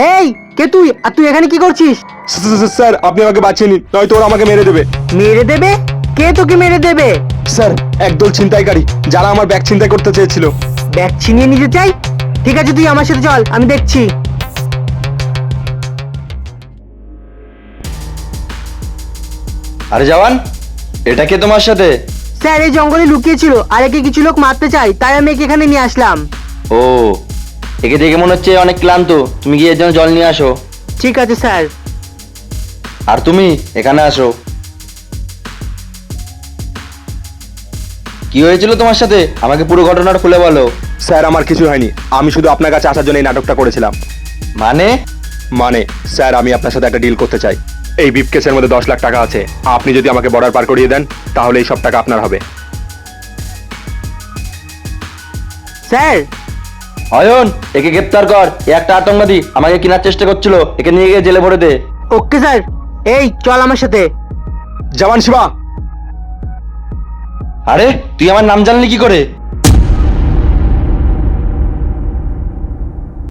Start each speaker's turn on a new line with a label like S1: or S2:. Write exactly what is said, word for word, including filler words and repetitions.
S1: এই কে তুই? আর তুই এখানে কি করছিস?
S2: স্যার আপনি আমাকে বাঁচিয়ে নিন, নয়তো ওরা আমাকে মেরে দেবে।
S1: মেরে দেবে? কে তোকে মেরে দেবে?
S2: স্যার একদল ছিনতাইকারী, যারা আমার ব্যাগ ছিনতাই করতে চেয়েছিল।
S1: ব্যাগ ছিনিয়ে নিতে চাই? ঠিক আছে, তুই আমার সাথে চল, আমি দেখছি।
S3: আরে জওয়ান, এটা কে তোমার সাথে?
S1: স্যার এই জঙ্গলে লুকিয়েছিল আর একে কিছু লোক মারতে চাই, তাই আমি একে এখানে নিয়ে আসলাম।
S3: ও, একে দেখে মনে হচ্ছে অনেক ক্লান্ত, তুমি গিয়ে এর জন্য জল নিয়ে আসো।
S1: ঠিক আছে স্যার।
S3: আর তুমি এখানে আসো। কি হয়েছিল তোমার সাথে? আমাকে পুরো ঘটনাটা খুলে বলো।
S2: স্যার আমার কিছু হয়নি, আমি শুধু আপনার কাছে আসার জন্য এই নাটকটা করেছিলাম।
S3: মানে?
S2: মানে স্যার আমি আপনার সাথে একটা ডিল করতে চাই। এই বিপকেসের মধ্যে দশ লাখ টাকা আছে, আপনি যদি আমাকে বর্ডার পার করিয়ে দেন তাহলে এই সব টাকা আপনার হবে।
S1: স্যার
S3: অয়ন, একে গ্রেপ্তার কর। এ একটা আতঙ্কবাদী, আমাকে কেনার চেষ্টা করছিল, একে নিয়ে গিয়ে জেলে ভরে দে।
S1: Okay sir. এই চল আমার সাথে।
S2: জওয়ান শিবা।
S3: আরে তুই আমার নাম জানলি কি করে?